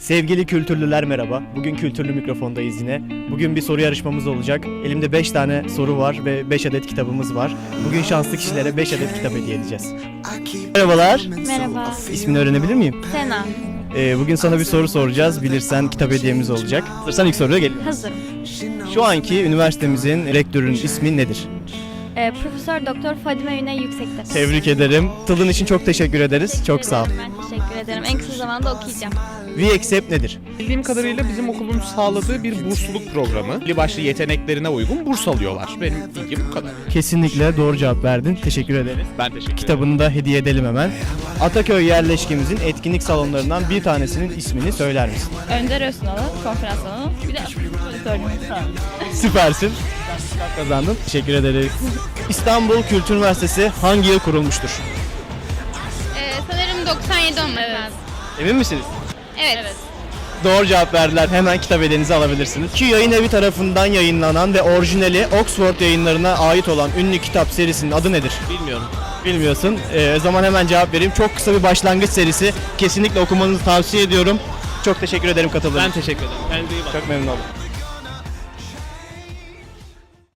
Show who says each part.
Speaker 1: Sevgili kültürlüler merhaba. Bugün Kültürlü Mikrofon'dayız yine. Bugün bir soru yarışmamız olacak. Elimde 5 tane soru var ve 5 adet kitabımız var. Bugün şanslı kişilere 5 adet kitap hediye edeceğiz. Merhabalar.
Speaker 2: Merhaba.
Speaker 1: İsmini öğrenebilir miyim?
Speaker 2: Sena.
Speaker 1: Bugün sana bir soru soracağız. Bilirsen kitap hediyemiz olacak. Hazırsan ilk soruya geliyorum.
Speaker 2: Hazırım.
Speaker 1: Şu anki üniversitemizin rektörünün ismi nedir?
Speaker 2: Profesör Doktor Fadime Güney Yüksektepe.
Speaker 1: Tebrik ederim. Katıldığın için çok teşekkür ederiz. Çok sağ ol.
Speaker 2: Ben teşekkür ederim. En kısa zamanda okuyacağım.
Speaker 1: We-Accept nedir?
Speaker 3: Bildiğim kadarıyla bizim okulun sağladığı bir bursluluk programı. Belli başlı yeteneklerine uygun burs alıyorlar. Benim bilgim bu kadar.
Speaker 1: Kesinlikle doğru cevap verdin. Teşekkür ederiz.
Speaker 3: Ben teşekkür ederim.
Speaker 1: Kitabını da hediye edelim hemen. Ataköy yerleşkemizin etkinlik salonlarından bir tanesinin ismini söyler misin?
Speaker 4: Önder Öztunalı, konferans salonu. Bir de söyleyeyim.
Speaker 1: Süpersin. Kazandın. Teşekkür ederiz. İstanbul Kültür Üniversitesi hangi yıl kurulmuştur?
Speaker 5: Sanırım 97 olması lazım.
Speaker 1: Emin misiniz?
Speaker 5: Evet.
Speaker 1: Doğru cevap verdiler. Hemen kitap hediyenizi alabilirsiniz. Ki yayın evi tarafından yayınlanan ve orijinali Oxford yayınlarına ait olan ünlü kitap serisinin adı nedir?
Speaker 3: Bilmiyorum.
Speaker 1: Bilmiyorsun. O zaman hemen cevap vereyim. Çok kısa bir başlangıç serisi. Kesinlikle okumanızı tavsiye ediyorum. Çok teşekkür ederim katıldığınız
Speaker 3: Ben
Speaker 1: için.
Speaker 3: teşekkür ederim. Kendinize iyi bakın.
Speaker 1: Çok memnun oldum.